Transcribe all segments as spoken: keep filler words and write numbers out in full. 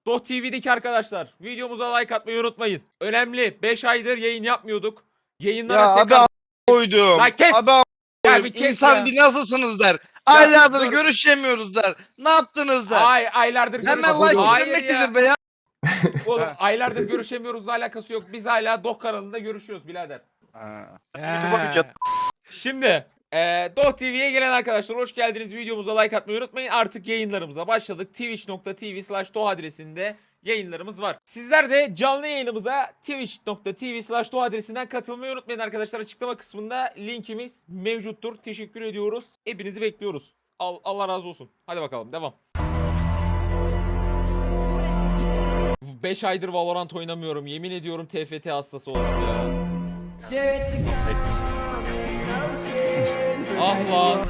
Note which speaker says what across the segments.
Speaker 1: Doh T V'deki arkadaşlar videomuza like atmayı unutmayın. Önemli, beş aydır yayın yapmıyorduk. Yayınlara
Speaker 2: Ya
Speaker 1: tekrar...
Speaker 2: abi koydum.
Speaker 1: Lan kes!
Speaker 2: Abi
Speaker 1: Ya
Speaker 2: koydum.
Speaker 1: bir kes
Speaker 2: İnsan
Speaker 1: ya.
Speaker 2: bir nasılsınız der. Aylardır
Speaker 1: dur.
Speaker 2: görüşemiyoruz der. Ne yaptınız der.
Speaker 1: Ay aylardır
Speaker 2: Hemen
Speaker 1: görüşemiyoruz.
Speaker 2: like
Speaker 1: Hayır
Speaker 2: istemek
Speaker 1: ya.
Speaker 2: nedir be ya?
Speaker 1: Oğlum
Speaker 2: Ha.
Speaker 1: aylardır görüşemiyoruzla alakası yok. Biz hala Doh kanalında görüşüyoruz birader.
Speaker 2: Ha.
Speaker 1: Ee, Şimdi e, Doh T V'ye gelen arkadaşlar hoş geldiniz. Videomuza like atmayı unutmayın. Artık yayınlarımıza başladık. twitch nokta tv slash doh adresinde yayınlarımız var. Sizler de canlı yayınımıza twitch nokta tv slash doh adresinden katılmayı unutmayın arkadaşlar. Açıklama kısmında linkimiz mevcuttur. Teşekkür ediyoruz. Hepinizi bekliyoruz. Al, Allah razı olsun. Hadi bakalım devam. beş aydır Valorant oynamıyorum. Yemin ediyorum T F T hastası oldum ya. Ah lan.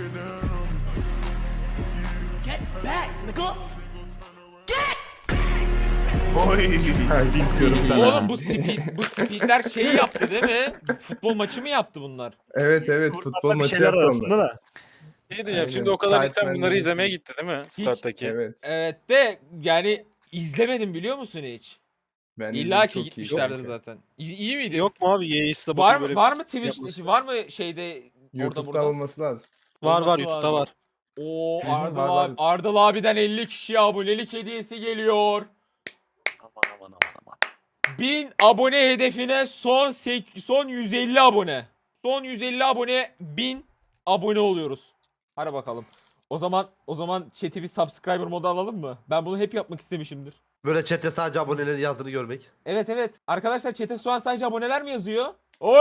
Speaker 3: Oy. Bilmiyorum sana.
Speaker 1: Oğlum bu speed, bu speedler şeyi yaptı değil mi? Futbol maçı mı yaptı bunlar?
Speaker 4: Evet evet futbol
Speaker 3: Bir
Speaker 4: maçı
Speaker 3: şeyler
Speaker 4: yaptı
Speaker 3: arasında
Speaker 4: onlar.
Speaker 3: da.
Speaker 5: Ne diyeceğim
Speaker 4: Aynen.
Speaker 5: şimdi o kadar insan
Speaker 4: Sidemen
Speaker 5: bunları
Speaker 4: de-
Speaker 5: izlemeye gitti değil mi? Stat'taki.
Speaker 4: Evet.
Speaker 1: Evet de yani izlemedim biliyor musun hiç?
Speaker 4: Ben
Speaker 1: İlla
Speaker 4: izledim,
Speaker 1: ki
Speaker 4: çok iyi
Speaker 1: gitmişlerdir
Speaker 4: kanka.
Speaker 1: zaten. İyi, iyi miydi?
Speaker 5: Yok mu abi? Yeğiz'de
Speaker 1: Var mı var mı Twitch'te var mı şeyde orada
Speaker 4: YouTube'da
Speaker 1: burada?
Speaker 4: olması lazım.
Speaker 5: Var var
Speaker 1: Olması
Speaker 5: YouTube'da
Speaker 1: lazım.
Speaker 5: var.
Speaker 1: Oo
Speaker 4: Hı hı,
Speaker 1: Ardıl
Speaker 4: var,
Speaker 1: abi,
Speaker 4: var.
Speaker 1: Ardıl abiden elli kişiye abonelik hediyesi geliyor.
Speaker 5: Aman aman aman aman.
Speaker 1: bin abone hedefine son sek- son yüz elli abone. Son yüz elli abone bin abone oluyoruz. Hadi bakalım. O zaman o zaman chat'i bir subscriber modu alalım mı? Ben bunu hep yapmak istemişimdir.
Speaker 6: Böyle chatte sadece abonelerin yazdığını görmek.
Speaker 1: Evet evet. Arkadaşlar chat'e şu an sadece aboneler mi yazıyor? Oo!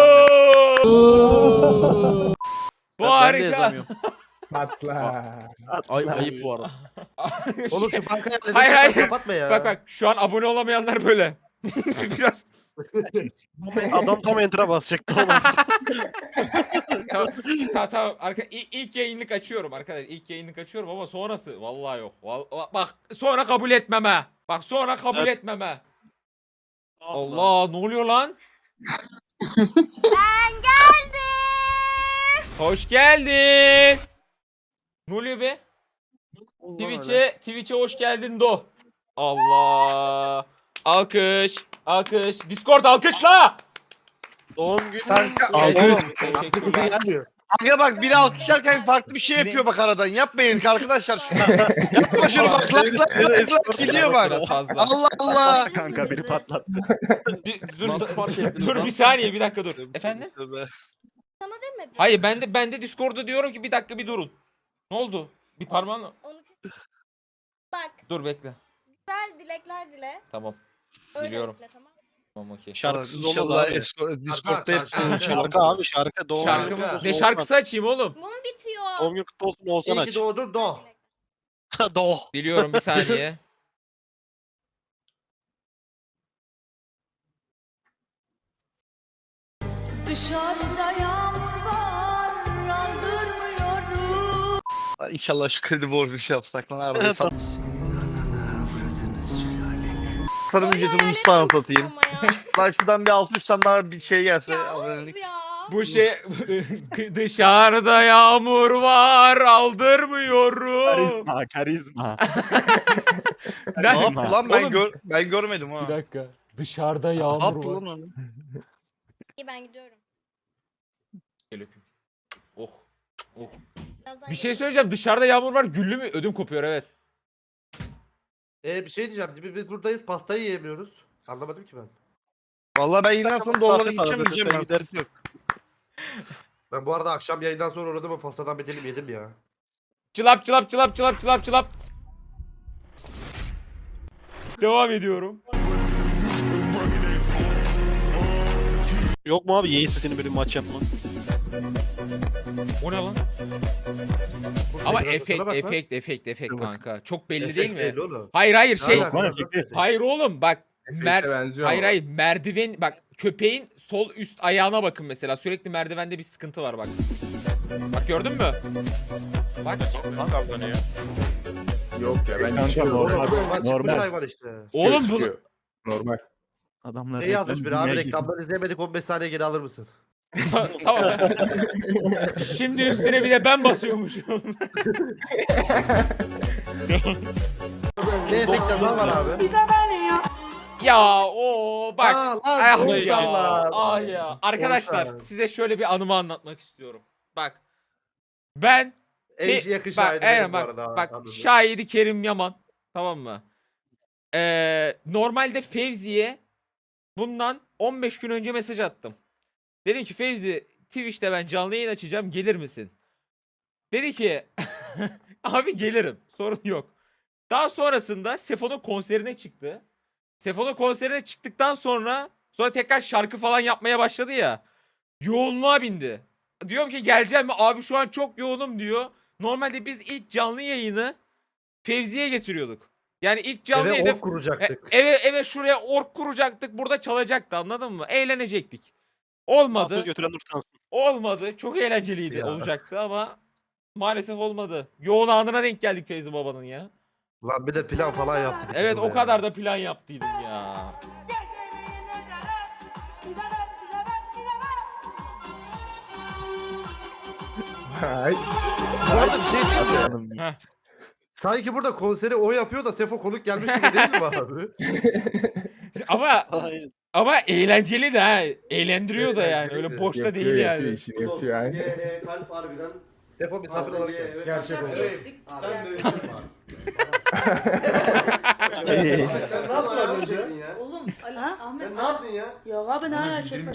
Speaker 1: Bu
Speaker 5: Ben de
Speaker 1: harika.
Speaker 5: yazamıyorum.
Speaker 4: Patla.
Speaker 6: Ay, ayıp bu arada. Oğlum şu bankaya
Speaker 1: Hayır, hayır.
Speaker 6: kapatma ya.
Speaker 1: Bak bak şu an abone olamayanlar böyle. Biraz
Speaker 5: Adam tam enter'a basacaktı oğlum.
Speaker 1: tamam, tamam, tamam. Arka, ilk, ilk yayınlık açıyorum arkadaşlar. İlk yayınlık açıyorum ama sonrası vallahi yok. Vallahi, bak sonra kabul etmeme. Bak sonra kabul
Speaker 5: Evet.
Speaker 1: etmeme. Allah ne oluyor lan?
Speaker 7: Ben geldim.
Speaker 1: Hoş geldin. Ne oluyor be? Twitch'e Twitch'e hoş geldin Do. Allah. Alkış. Alkış. Discord alkışla.
Speaker 5: Doğum günü.
Speaker 2: Kanka
Speaker 1: Alkış.
Speaker 2: oğlum.
Speaker 6: Sesi
Speaker 1: Teşekkürler.
Speaker 6: gelmiyor.
Speaker 2: Kanka bak biri alkışlarken farklı bir şey yapıyor bak aradan. Yapmayın arkadaşlar şunu. Yapma şunu bak. Lak lak lak lak gidiyor bak.
Speaker 1: Biraz fazla.
Speaker 2: Allah Allah.
Speaker 3: Kanka biri patlattı.
Speaker 1: Bir- dur,
Speaker 6: Nasıl fark ettiniz
Speaker 1: dur
Speaker 6: lan?
Speaker 1: bir saniye bir dakika dur. Efendim?
Speaker 7: Sana demedim.
Speaker 1: Hayır ben de ben de Discord'da diyorum ki bir dakika bir durun. Ne oldu? Bir parmağınla.
Speaker 7: Onu bak.
Speaker 1: Dur bekle.
Speaker 7: Güzel dilekler dile.
Speaker 1: Tamam.
Speaker 7: Öyle
Speaker 1: Diliyorum.
Speaker 7: üfle, tamam.
Speaker 1: Tamam okey.
Speaker 5: Şarkısız olmaz
Speaker 2: İnşallah
Speaker 5: abi.
Speaker 2: Escort- Discord'da hep
Speaker 6: Şarkı, şarkı.
Speaker 5: Şarkı abi şarkı. Doğum
Speaker 1: Şarkı
Speaker 5: günü
Speaker 1: mı?
Speaker 5: kutlu olsun
Speaker 1: Ne
Speaker 5: Oğuzhan.
Speaker 1: şarkısı açayım oğlum?
Speaker 7: Bunu bitiyor.
Speaker 5: Doğum günü kutlu olsun Oğuzhan
Speaker 6: İyi ki
Speaker 5: aç.
Speaker 6: doğdun do.
Speaker 5: Doğ.
Speaker 1: Diliyorum bir saniye.
Speaker 8: Dışarıda yağmur var, aldırmıyorum.
Speaker 2: İnşallah şu kredi borcu şey yapsak lan arabayı sat. Sana
Speaker 7: Böyle
Speaker 2: ücretimi
Speaker 7: hayal
Speaker 2: sana
Speaker 7: etmiştim
Speaker 2: satayım.
Speaker 7: ama ya.
Speaker 2: Lan şuradan bir altı yüz tane daha bir şey gelse.
Speaker 7: Ya
Speaker 2: abonelik.
Speaker 7: Oğuz ya.
Speaker 1: Bu şey dışarıda yağmur var aldırmıyorum.
Speaker 3: Karizma karizma.
Speaker 2: Ne yaptı lan ben,
Speaker 1: Oğlum-
Speaker 2: gör, ben görmedim ha.
Speaker 1: Bir dakika. Dışarıda
Speaker 2: Ne
Speaker 1: yağmur
Speaker 2: yaptı
Speaker 1: var.
Speaker 2: lan onu?
Speaker 7: İyi ben gidiyorum.
Speaker 1: Gel öpeyim. Oh. Oh.
Speaker 7: Birazdan
Speaker 1: Bir şey
Speaker 7: gelirim.
Speaker 1: söyleyeceğim. Dışarıda yağmur var. Güllü mü? Ödüm kopuyor evet.
Speaker 6: Ee, bir şey diyeceğim. Biz, biz buradayız pastayı yiyemiyoruz. Anlamadım ki ben.
Speaker 2: Vallahi ben yayından sonra dolara
Speaker 5: Misafir sana
Speaker 2: gideceğim
Speaker 5: zaten,
Speaker 2: diyeceğim
Speaker 5: sen
Speaker 2: ben.
Speaker 5: gidersin.
Speaker 2: Yok.
Speaker 6: Ben bu arada akşam yayından sonra uğradım ama pastadan bedelim yedim ya.
Speaker 1: Çılap çılap çılap çılap çılap çılap. Devam ediyorum.
Speaker 5: Yok mu abi Yeğiz'le senin böyle bir maç yapma.
Speaker 1: O ne lan?
Speaker 6: Burada
Speaker 1: Ama
Speaker 6: biraz
Speaker 1: efekt
Speaker 6: bak lan.
Speaker 1: efekt efekt efekt
Speaker 3: Dur
Speaker 1: kanka. Çok belli
Speaker 6: Efekt
Speaker 1: değil mi?
Speaker 6: belli oğlum.
Speaker 1: Hayır hayır şey.
Speaker 6: Ne alaka?
Speaker 3: lan
Speaker 6: Nasıl
Speaker 3: efekti.
Speaker 6: efekt?
Speaker 1: Hayır oğlum bak.
Speaker 4: Efekt'e
Speaker 1: Mer
Speaker 4: benziyor
Speaker 1: hayır
Speaker 4: ama.
Speaker 1: hayır merdiven bak köpeğin sol üst ayağına bakın mesela sürekli merdivende bir sıkıntı var bak. Bak gördün mü? Bak.
Speaker 5: Sallanıyor.
Speaker 4: Yok ya ben
Speaker 3: Kanka,
Speaker 4: çıkıyorum.
Speaker 6: Oğlum
Speaker 3: Normal,
Speaker 6: normal çıkmış
Speaker 3: normal.
Speaker 6: hayvan işte.
Speaker 1: Oğlum bunu
Speaker 4: Çıkıyor. Normal.
Speaker 3: Adamlar
Speaker 6: Ne yazmış bir
Speaker 3: reklam
Speaker 6: abi
Speaker 3: izlemeye
Speaker 6: reklamları izleyemedik on beş saniye geri alır mısın?
Speaker 1: tamam. Şimdi üstüne bir de ben basıyormuşum.
Speaker 6: Ne efekt yazan var abi?
Speaker 1: Ya o bak.
Speaker 6: Aa, lan,
Speaker 1: Ah
Speaker 6: konuşan
Speaker 1: ya.
Speaker 6: lan.
Speaker 1: Ah ya. Arkadaşlar
Speaker 6: Konuşan.
Speaker 1: size şöyle bir anımı anlatmak istiyorum. Bak. Ben
Speaker 6: En
Speaker 1: Fe-
Speaker 6: yakın
Speaker 1: bak,
Speaker 6: şahidi
Speaker 1: aynen
Speaker 6: benim bu
Speaker 1: bak,
Speaker 6: arada.
Speaker 1: bak
Speaker 6: anladım.
Speaker 1: şahidi Kerim Yaman. Tamam mı? Ee, normalde Fevzi'ye bundan on beş gün önce mesaj attım. Dedim ki Fevzi Twitch'te ben canlı yayın açacağım, gelir misin? Dedi ki abi gelirim, sorun yok. Daha sonrasında Sefo'nun konserine çıktı. Sefo'nun konserine çıktıktan sonra sonra tekrar şarkı falan yapmaya başladı ya. Yoğunluğa bindi. Diyorum ki geleceğim mi? Abi şu an çok yoğunum diyor. Normalde biz ilk canlı yayını Fevzi'ye getiriyorduk. Yani ilk canlı
Speaker 6: Eve
Speaker 1: yayını
Speaker 6: ok kuracaktık.
Speaker 1: e- eve eve şuraya ork kuracaktık. Burada çalacaktı, anladın mı? Eğlenecektik. Olmadı.
Speaker 5: Hafta götüren utansın.
Speaker 1: Olmadı. Çok eğlenceliydi
Speaker 6: Ya.
Speaker 1: olacaktı ama maalesef olmadı. Yoğun anına denk geldik Fevzi babanın ya.
Speaker 6: Lan bir de plan falan yaptık.
Speaker 1: Evet,
Speaker 6: kızla
Speaker 1: o
Speaker 6: ya.
Speaker 1: kadar da plan yaptıydım ya.
Speaker 4: Hay.
Speaker 6: Bu arada bir şey diyeyim mi?
Speaker 1: Heh.
Speaker 6: Sanki burada konseri o yapıyor da Sefo konuk gelmiş gibi değil mi abi?
Speaker 1: Ama
Speaker 5: Aynen.
Speaker 1: ama eğlenceli de ha. Eğlendiriyor da yani.
Speaker 6: Eğlenceli
Speaker 1: Öyle
Speaker 6: de.
Speaker 1: boşta
Speaker 4: Yapıyor,
Speaker 1: değil
Speaker 4: yapıyor,
Speaker 1: yani.
Speaker 4: işini yapıyor. Aynen.
Speaker 9: Ee, kalp harbiden
Speaker 6: Sefo misafir olarak gel.
Speaker 9: gerçek oldu. Sen böyle sen ne yaptın az önce?
Speaker 8: Oğlum Ali, Ahmet
Speaker 9: Sen ne yaptın ya?
Speaker 8: Yok abi ne hala çekmez.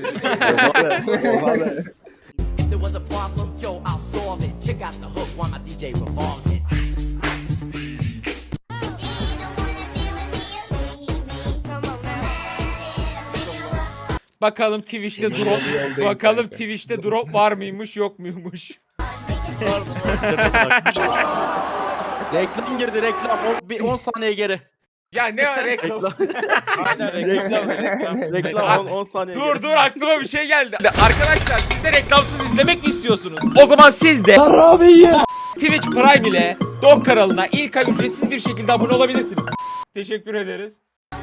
Speaker 10: If there was a problem, yo, I'll solve it. Check out the hook while my D J revolves it.
Speaker 1: Bakalım Twitch'te drop. Bakalım Twitch'te drop var mıymış yok muymuş.
Speaker 3: Reklam girdi reklam. O, bir on saniye geri.
Speaker 1: Ya ne var reklam?
Speaker 3: Aynen reklam. reklam. Reklam on saniye
Speaker 1: Dur
Speaker 3: geri.
Speaker 1: dur aklıma bir şey geldi. Arkadaşlar siz de reklamsız izlemek mi istiyorsunuz? O zaman siz de Twitch Prime ile Dog kanalına ilk ay ücretsiz bir şekilde abone olabilirsiniz. Teşekkür ederiz.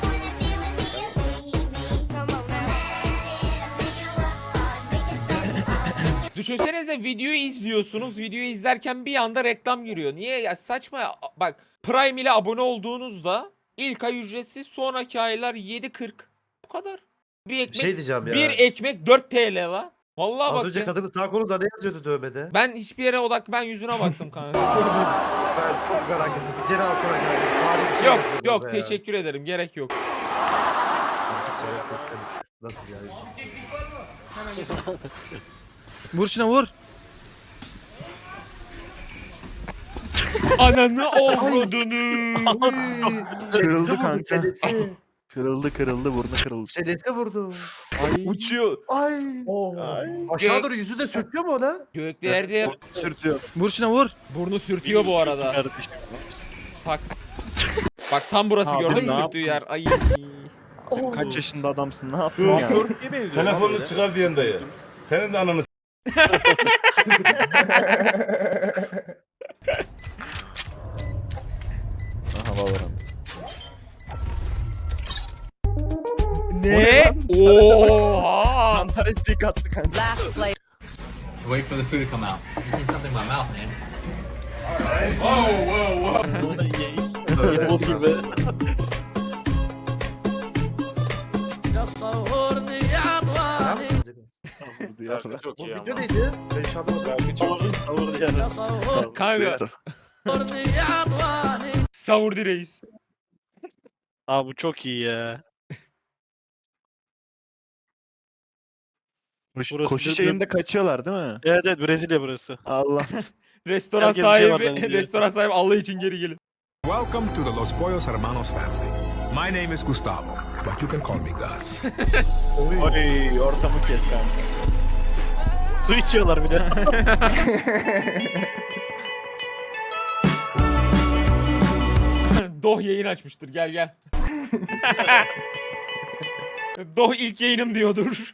Speaker 1: Düşünsenize videoyu izliyorsunuz. Videoyu izlerken bir anda reklam giriyor. Niye ya, saçma ya. Bak Prime ile abone olduğunuzda ilk ay ücretsiz, sonraki aylar yedi kırk. Bu kadar. Bir
Speaker 6: Bir
Speaker 1: ekmek
Speaker 6: şey diyeceğim ya.
Speaker 1: bir ekmek dört TL la. Vallahi
Speaker 6: Az
Speaker 1: bak
Speaker 6: önce
Speaker 1: ya.
Speaker 6: kadının sağ kolunda ne yazıyordu dövmede?
Speaker 1: Ben hiçbir yere odak ben yüzüne baktım kanka.
Speaker 6: Ben çok merak ettim. Bir geri alsana kanka. Tarihi bir şey
Speaker 1: yok
Speaker 6: yapıyor
Speaker 1: yok
Speaker 6: burada ya.
Speaker 1: teşekkür ederim, gerek yok.
Speaker 6: Nasıl yani?
Speaker 3: Vur şuna vur.
Speaker 1: Ananı avradını.
Speaker 3: Kırıldı
Speaker 6: Çelesi vurdu,
Speaker 3: kanka.
Speaker 6: çelesi.
Speaker 3: Kırıldı kırıldı burnu kırıldı.
Speaker 6: Çelesi vurdu.
Speaker 3: Uçuyor.
Speaker 6: Ay.
Speaker 3: Ay.
Speaker 6: Aşağı doğru yüzü de sürtüyor mu ona?
Speaker 1: Göklerde
Speaker 3: Sürtüyor. Vur şuna vur.
Speaker 1: burnu sürtüyor bu arada.
Speaker 5: Kardeşim.
Speaker 1: Bak. Bak tam burası,
Speaker 3: Abi
Speaker 1: gördün mü
Speaker 3: ne
Speaker 1: sürttüğü yer. Ay.
Speaker 3: Kaç yaşında adamsın ne yaptın ya?
Speaker 11: Telefonunu çıkar bir dayı. Senin de ananı
Speaker 3: Aha Valorant.
Speaker 1: Ne? Oha.
Speaker 3: Kantar S P attı kanka.
Speaker 8: Last play.
Speaker 10: Wait for the food to come out. You see something in my mouth, man.
Speaker 1: Wow wow wow.
Speaker 3: Bol gibi.
Speaker 5: Çok
Speaker 6: Bu
Speaker 5: iyi
Speaker 6: video
Speaker 5: ama.
Speaker 6: neydi? Ben şu an anlamadım.
Speaker 5: Savur diğer.
Speaker 1: Kanka. Savurdi reis.
Speaker 5: Aa bu çok iyi ya.
Speaker 3: Koşu,
Speaker 5: Burası
Speaker 3: koşu
Speaker 5: bir-
Speaker 3: şeyinde kaçıyorlar değil mi?
Speaker 5: Evet evet Brezilya burası.
Speaker 3: Allah.
Speaker 1: Restoran
Speaker 5: Herkes bir şey var
Speaker 1: sahibi,
Speaker 5: bence.
Speaker 1: restoran sahibi Allah için geri gelin.
Speaker 11: Welcome to the Los Pollos Hermanos family. My name is Gustavo, but you can call me Gus.
Speaker 3: Oy ortamı kes kanka.
Speaker 5: Su içiyorlar bir de.
Speaker 1: Doh yayın açmıştır, gel gel. Doh ilk yayınım diyordur.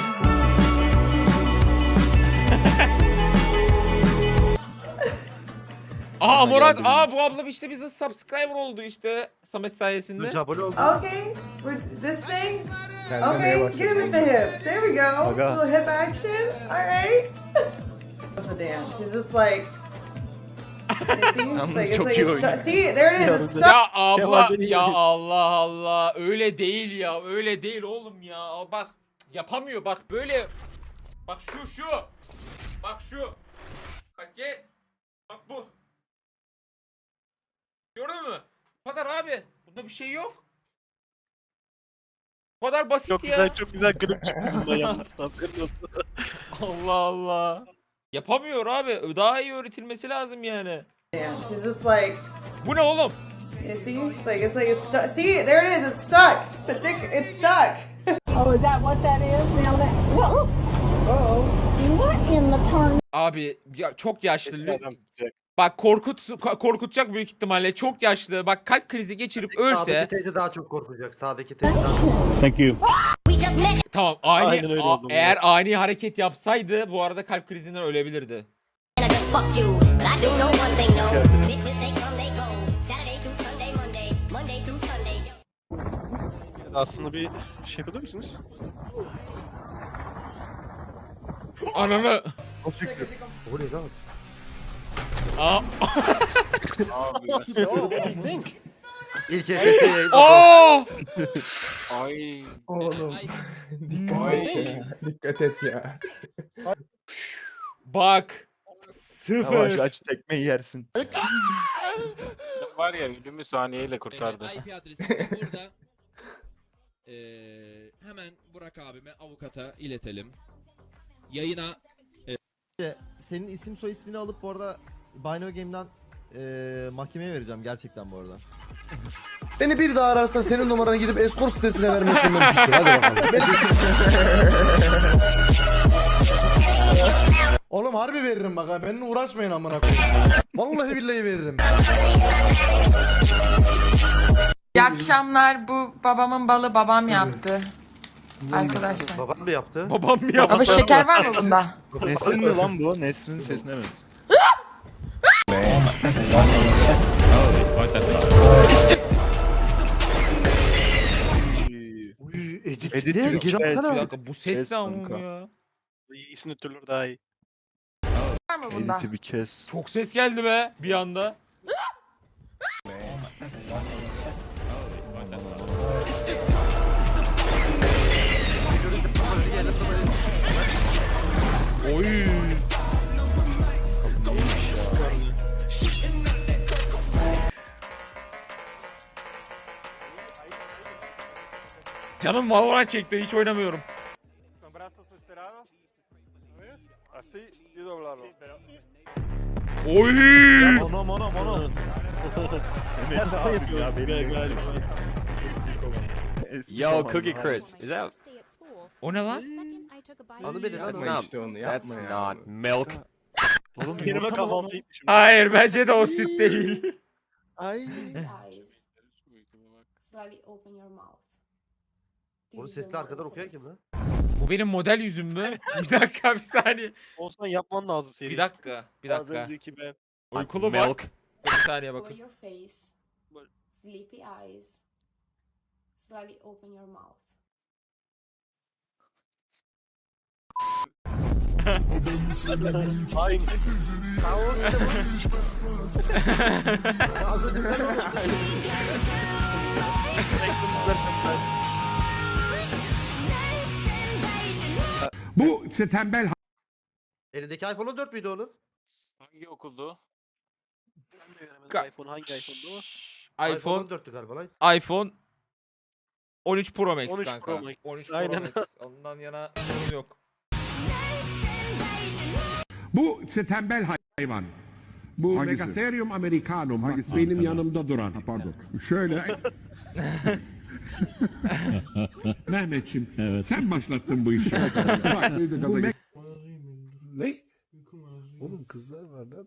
Speaker 1: Aa Murat, aa bu abla işte bize subscriber oldu işte Samet sayesinde.
Speaker 6: Önce abone oldum.
Speaker 8: Okay, we're this thing.
Speaker 4: Sen de neye
Speaker 8: Okay, get him with the
Speaker 4: başladın?
Speaker 8: hips. There we go.
Speaker 3: Aga.
Speaker 8: Little hip action. All right. The dance. He's just like.
Speaker 3: Yalnız çok iyi oynuyor.
Speaker 8: See, there it is. It's stuck.
Speaker 1: Ya abla
Speaker 5: Kemal beni
Speaker 1: ya
Speaker 5: yedi.
Speaker 1: Allah Allah öyle değil ya öyle değil oğlum ya bak yapamıyor bak böyle bak şu şu bak şu bak gel bak bu gördün mü bu kadar abi bunda bir şey yok bu kadar basit
Speaker 5: Çok
Speaker 1: ya
Speaker 5: güzel çok güzel klip çıktı bunda yalnız. Haberin olsun.
Speaker 1: Allah Allah yapamıyor abi daha iyi öğretilmesi lazım yani
Speaker 8: Yeah, she's just like,
Speaker 1: bu ne oğlum
Speaker 8: you see, it's like it's like it's stuck. See, there it is. It's stuck. The dick, it's stuck.
Speaker 7: Oh, is that what that is? Now that. Whoa. Oh. What in the turn?
Speaker 1: abi ya çok yaşlı
Speaker 5: Kesin adam tutacak.
Speaker 1: bak korkut ko- korkutacak büyük ihtimalle çok yaşlı bak kalp krizi geçirip ölse
Speaker 6: Sağdaki teyze daha çok korkacak. Sağdaki teyze daha çok.
Speaker 5: Thank you.
Speaker 1: tamam ani
Speaker 5: Aynen öyle
Speaker 1: a-
Speaker 5: oldu bu.
Speaker 1: eğer ani hareket yapsaydı bu arada kalp krizinden ölebilirdi.
Speaker 10: And I just fucked you. But I do know one thing, no. Bitches they come, they go. Saturday through Sunday, Monday. Monday through Sunday, yo.
Speaker 5: Aslında bir şey yapabilir misiniz?
Speaker 1: Ananı.
Speaker 6: O ne lan?
Speaker 1: Aa.
Speaker 6: İlk elbise yayın.
Speaker 1: Aa!
Speaker 4: Oğlum. Dikkat et ya. Dikkat et ya.
Speaker 1: Bak.
Speaker 3: Yavaş
Speaker 1: Sıfır.
Speaker 3: aç tekmeyi yersin.
Speaker 5: Var ya ölümü saniyeyle kurtardı.
Speaker 12: I P adresi de burada. Ee, hemen Burak abime avukata iletelim. Yayına
Speaker 9: Senin isim soy ismini alıp bu arada Bino Game'den eee mahkemeye vereceğim gerçekten bu arada. Beni bir daha ararsan senin numaranı gidip escort sitesine vermekten mümkün. Hadi bakalım. Oğlum harbi veririm bak ha. Benimle uğraşmayın amına koyayım. Vallahi billahi veririm.
Speaker 8: İyi akşamlar. Bu babamın balı babam yaptı. Arkadaşlar.
Speaker 6: Babam mı yaptı?
Speaker 1: Babam mı yaptı?
Speaker 8: Ama şeker var mı bunda?
Speaker 3: Nesrin mi lan bu? Nesrin'in sesine mi?
Speaker 6: Uy, edit.
Speaker 3: Edit
Speaker 6: Ne?
Speaker 3: yok.
Speaker 6: Geri
Speaker 3: Evet,
Speaker 6: atsana.
Speaker 1: Bir dakika bu ses
Speaker 3: Ses
Speaker 1: ne ama
Speaker 3: kanka.
Speaker 1: ya?
Speaker 5: İyisini türlür daha iyi.
Speaker 8: Var mı bunda?
Speaker 3: Edit'i bir kes.
Speaker 1: Çok ses geldi be bir anda. Oy. Canım Valorant çekti hiç oynamıyorum. Oy!
Speaker 3: Anam anam anam. Emekli abim ya benim galiba.
Speaker 12: Yo, Cookie Crisp. Is that
Speaker 1: O ne lan?
Speaker 6: Adı beni lan.
Speaker 4: Yapma işte onu yapma ya.
Speaker 12: milk?
Speaker 3: Oğlum
Speaker 5: Kelime
Speaker 3: yumurta mı?
Speaker 5: kafamdaymışım.
Speaker 1: Hayır bence de o süt değil.
Speaker 3: Ay.
Speaker 6: Onu sesli arkadan okuyan kim lan?
Speaker 1: Bu benim model yüzüm mü? Bir dakika bir saniye.
Speaker 5: Olsan yapman lazım seri.
Speaker 1: Bir dakika bir
Speaker 3: Az
Speaker 1: dakika.
Speaker 3: önceki ben.
Speaker 1: Uykulu bak. Bir saniye bakın.
Speaker 8: Sleepy eyes. Slightly open your mouth.
Speaker 5: Aynı.
Speaker 6: Ha o işte bu. Az önce sen
Speaker 11: Bu işte tembel
Speaker 6: Elindeki iPhone on dört müydü onun?
Speaker 5: Hangi okuldu? Ben de göremedim
Speaker 1: Ka-
Speaker 5: iPhone hangi iPhone'du o?
Speaker 6: iPhone
Speaker 1: iPhone
Speaker 6: on dörttü galiba lan.
Speaker 1: iPhone on üç Pro Max
Speaker 5: on üç
Speaker 1: kanka.
Speaker 5: Pro Max,
Speaker 1: on üç Pro
Speaker 5: aynen.
Speaker 1: Max. Ondan yana sorun yok.
Speaker 11: bu işte tembel hayvan. Bu Megatherium americanum bak benim yanımda duran. Pardon. Şöyle. Mehmetçim sen başlattın bu işi. Bak, bu Me-
Speaker 4: Ne? Oğlum kızlar var lan.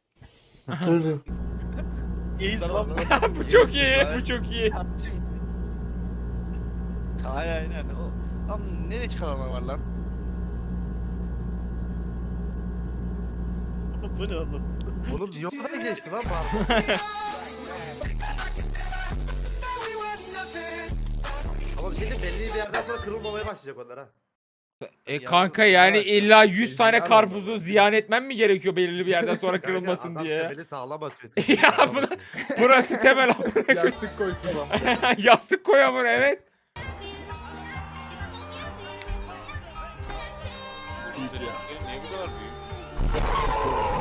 Speaker 5: İyiyiz lan.
Speaker 1: Bu çok iyi. Bu çok iyi.
Speaker 2: Aynen aynen. O, lan nereye çıkaranlar var lan?
Speaker 5: Bu ne oğlum?
Speaker 6: Oğlum niye o kadar geçti lan pardon. Ama bir şey diyeyim, belli bir yerden sonra kırılmamaya başlayacak onlar ha.
Speaker 1: E kanka yani illa yüz tane karpuzu ziyan etmem mi gerekiyor belirli bir yerden sonra kırılmasın
Speaker 6: Adam
Speaker 1: diye?
Speaker 6: temeli sağlam atıyor.
Speaker 1: Ya buna- Burası temel amına koyayım.
Speaker 4: Yastık koysun lan.
Speaker 1: Yastık koyamın evet.
Speaker 5: Niye bu kadar büyük?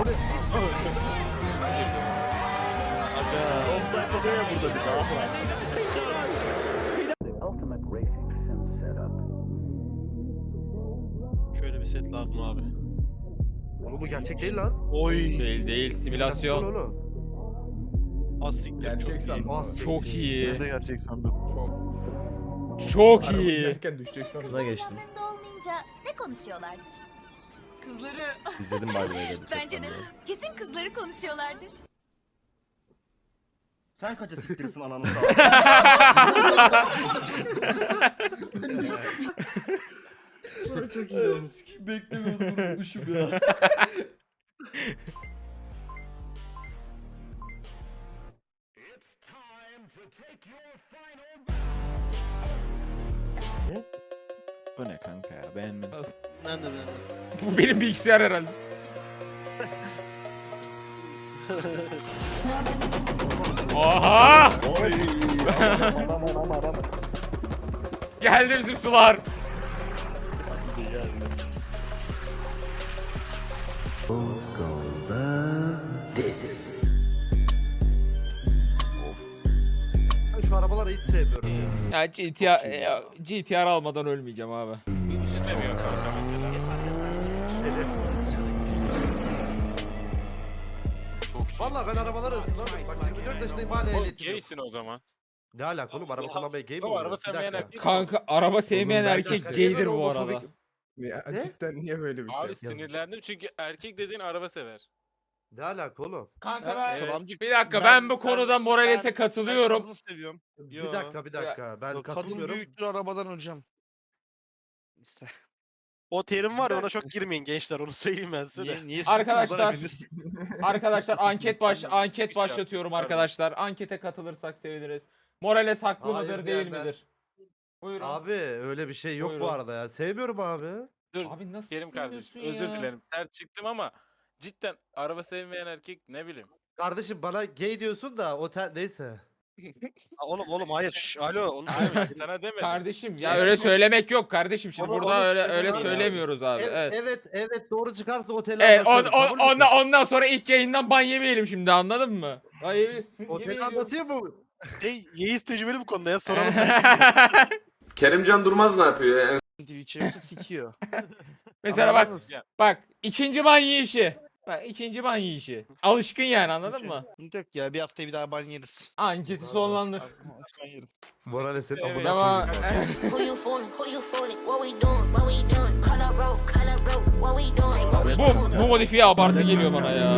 Speaker 3: Şöyle bir set lazım abi.
Speaker 6: Oğlum bu gerçek değil lan.
Speaker 3: Oy.
Speaker 1: Değil değil simülasyon.
Speaker 6: Oğlum.
Speaker 3: Asiktir.
Speaker 4: Gerçek sandım.
Speaker 6: Bas.
Speaker 1: Çok iyi.
Speaker 3: de gerçek sandım.
Speaker 1: Çok
Speaker 4: Araba
Speaker 1: iyi.
Speaker 4: giderken düşecek sandım.
Speaker 9: Kıza geçtim.
Speaker 10: olmayınca ne konuşuyorlardır?
Speaker 8: Kızları.
Speaker 9: İzledim by the way dedi.
Speaker 10: Bence de. Kesin kızları konuşuyorlardır.
Speaker 9: Sen kaça siktirsin ananı Çok iyi olmuş. Beklemiyordum unutmuşum ya.
Speaker 3: Bu ne kanka ya beğenmedim. Ben de beğendim.
Speaker 1: Bu benim bilgisayar herhalde. Oha! Geldi bizim sular.
Speaker 6: Ben şu arabaları hiç sevmiyorum. ya.
Speaker 1: Ya G T R, ya G T R almadan ölmeyeceğim abi.
Speaker 5: İstemiyor kanka mesela. Çok
Speaker 6: Valla ben arabaları ısınamıyorum. Bak yirmi dört yaşındayım hala
Speaker 5: Oğlum
Speaker 6: ehliyetim yok.
Speaker 5: gaysin o zaman.
Speaker 6: Ne alaka oğlum araba kullanmaya gay mi
Speaker 5: Oğlum,
Speaker 6: oluyor?
Speaker 5: araba
Speaker 6: Bir
Speaker 5: sevmeyen
Speaker 6: dakika.
Speaker 5: erkek-
Speaker 1: Kanka araba sevmeyen
Speaker 4: ben-
Speaker 1: erkek
Speaker 6: Ben-
Speaker 1: gaydir
Speaker 6: Ben-
Speaker 1: bu
Speaker 6: Ben-
Speaker 1: arada.
Speaker 4: Ya
Speaker 6: Ne?
Speaker 4: cidden niye böyle bir şey?
Speaker 5: Abi sinirlendim çünkü erkek dediğin araba sever.
Speaker 6: Ne alaka oğlum?
Speaker 1: Kanka ben
Speaker 5: Evet.
Speaker 1: bir dakika ben, bu konuda Morales'e katılıyorum.
Speaker 2: Kadını seviyorum.
Speaker 6: Bir dakika bir dakika ben
Speaker 2: Kadın
Speaker 6: katılmıyorum.
Speaker 2: büyüktür arabadan hocam. İşte.
Speaker 3: O terim var ya ona çok girmeyin gençler onu söyleyeyim ben size de.
Speaker 2: Niye, niye
Speaker 1: Arkadaşlar
Speaker 2: susuyorsunuz lan hepiniz?
Speaker 1: arkadaşlar anket baş anket
Speaker 5: Hiç
Speaker 1: başlatıyorum
Speaker 5: yapmıyorum.
Speaker 1: arkadaşlar. Ankete katılırsak seviniriz. Morales haklı
Speaker 6: Hayır
Speaker 1: mıdır değil
Speaker 6: diyenler.
Speaker 1: midir? Buyurun. Abi,
Speaker 6: Abi öyle bir şey yok
Speaker 1: Buyurun.
Speaker 6: bu arada ya. Sevmiyorum abi.
Speaker 5: Dur
Speaker 1: nasıl
Speaker 5: Kerim kardeşim
Speaker 1: seviyorsun
Speaker 5: özür
Speaker 1: ya?
Speaker 5: dilerim. Sert çıktım ama cidden araba sevmeyen erkek ne bileyim.
Speaker 6: Kardeşim bana gay diyorsun da otel neyse.
Speaker 3: Ha, Oğlum oğlum hayır. Şş, alo onu
Speaker 5: Abi
Speaker 3: söylemeyin.
Speaker 5: sana demedim.
Speaker 1: Kardeşim ya öyle söylemek yok kardeşim. Şimdi
Speaker 6: Onu-
Speaker 1: burada
Speaker 6: onu
Speaker 1: öyle
Speaker 6: söyledim
Speaker 1: öyle
Speaker 6: abi.
Speaker 1: söylemiyoruz abi.
Speaker 6: Evet,
Speaker 1: Evet.
Speaker 6: evet evet doğru çıkarsa oteli
Speaker 1: Evet, on,
Speaker 6: anlatıyorum,
Speaker 1: on,
Speaker 6: kabul müsün?
Speaker 1: ondan, ondan sonra ilk yayından ban yemeyelim şimdi anladın mı? Ban yemeyesin. yemin
Speaker 6: Oteli
Speaker 1: ediyorum.
Speaker 6: anlatayım mı?
Speaker 3: Şey Yeğiz tecrübeli bu konuda ya soralım.
Speaker 4: Kerimcan Durmaz ne yapıyor ya?
Speaker 2: Twitch'e yoksa sikiyor.
Speaker 1: Mesela bak
Speaker 2: Anladınız?
Speaker 1: bak ikinci ban yiyişi. Bak ikinci ban yiyişi. Alışkın yani anladın mı?
Speaker 2: Sıkıntı yok ya bir haftaya bir daha ban yeriz.
Speaker 1: Anketi sonlandır.
Speaker 2: Ban yeriz.
Speaker 6: Morales'in
Speaker 5: Evet.
Speaker 6: amına
Speaker 1: Ama
Speaker 6: koyayım.
Speaker 10: Who you fooling? Who you fooling? What we doing? What we doing? Cut up rope, cut up rope. What we doing? What we
Speaker 1: bu
Speaker 10: doing?
Speaker 1: bu modifiye abartı geliyor bana ya.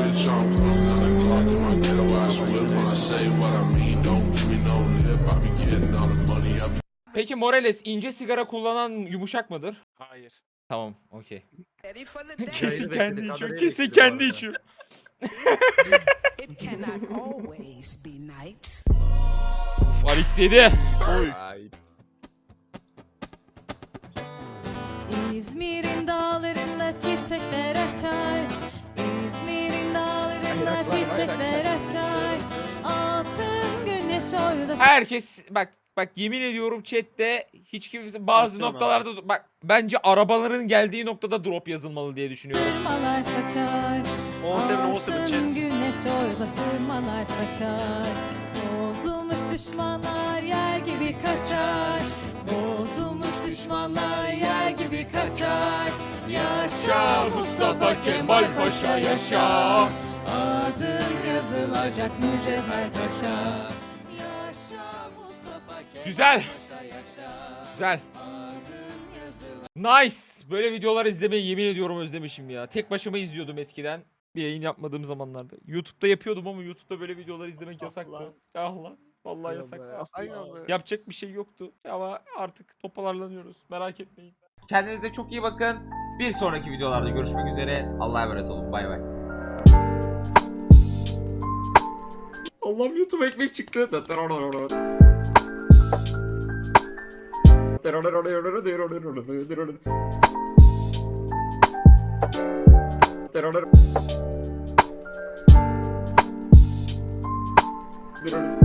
Speaker 1: Peki Morales ince sigara kullanan yumuşak mıdır?
Speaker 5: Hayır.
Speaker 1: Tamam, okey.
Speaker 6: Yayını
Speaker 1: Kesin
Speaker 6: bekledik,
Speaker 1: kendi içiyor.
Speaker 6: kamerayı
Speaker 1: Kesin
Speaker 6: bekliyorum
Speaker 1: kendi
Speaker 6: arada.
Speaker 1: içiyor.
Speaker 8: It cannot always be night.
Speaker 1: Uf, Alex yedi.
Speaker 4: Ay.
Speaker 7: İzmir'in dağlarında çiçekler açar. İzmir'in dağlarında çiçekler açar. Altın güneş orada.
Speaker 1: Herkes bak bak yemin ediyorum chatte hiç kimse bazı
Speaker 3: Aksiyon
Speaker 1: noktalarda bak bence arabaların geldiği noktada drop yazılmalı diye düşünüyorum.
Speaker 7: Sırmalar saçar.
Speaker 3: on seven on seven
Speaker 7: Altın
Speaker 3: chat.
Speaker 7: güneş orada sırmalar saçar. Bozulmuş düşmanlar yer gibi kaçar. Bozulmuş düşmanlar yer gibi kaçar. Yaşa Mustafa Kemal Paşa yaşa. Adın yazılacak mücevher taşa. Yaşa Mustafa Kemal
Speaker 1: Güzel.
Speaker 7: Paşa yaşa.
Speaker 1: Güzel.
Speaker 7: Adın yazılacak.
Speaker 1: Nice. Böyle videolar izlemeyi yemin ediyorum özlemişim ya. Tek başıma izliyordum eskiden. Bir yayın yapmadığım zamanlarda. YouTube'da yapıyordum ama YouTube'da böyle videolar izlemek yasaktı. Ah lan. Vallahi yasaktı.
Speaker 2: Aynen be.
Speaker 1: Yapacak bir şey yoktu. Ama artık toparlanıyoruz. Merak etmeyin. Kendinize çok iyi bakın. Bir sonraki videolarda görüşmek üzere. Allah'a emanet olun. Bay bay. Allah'ım YouTube ekmek çıktı. terör.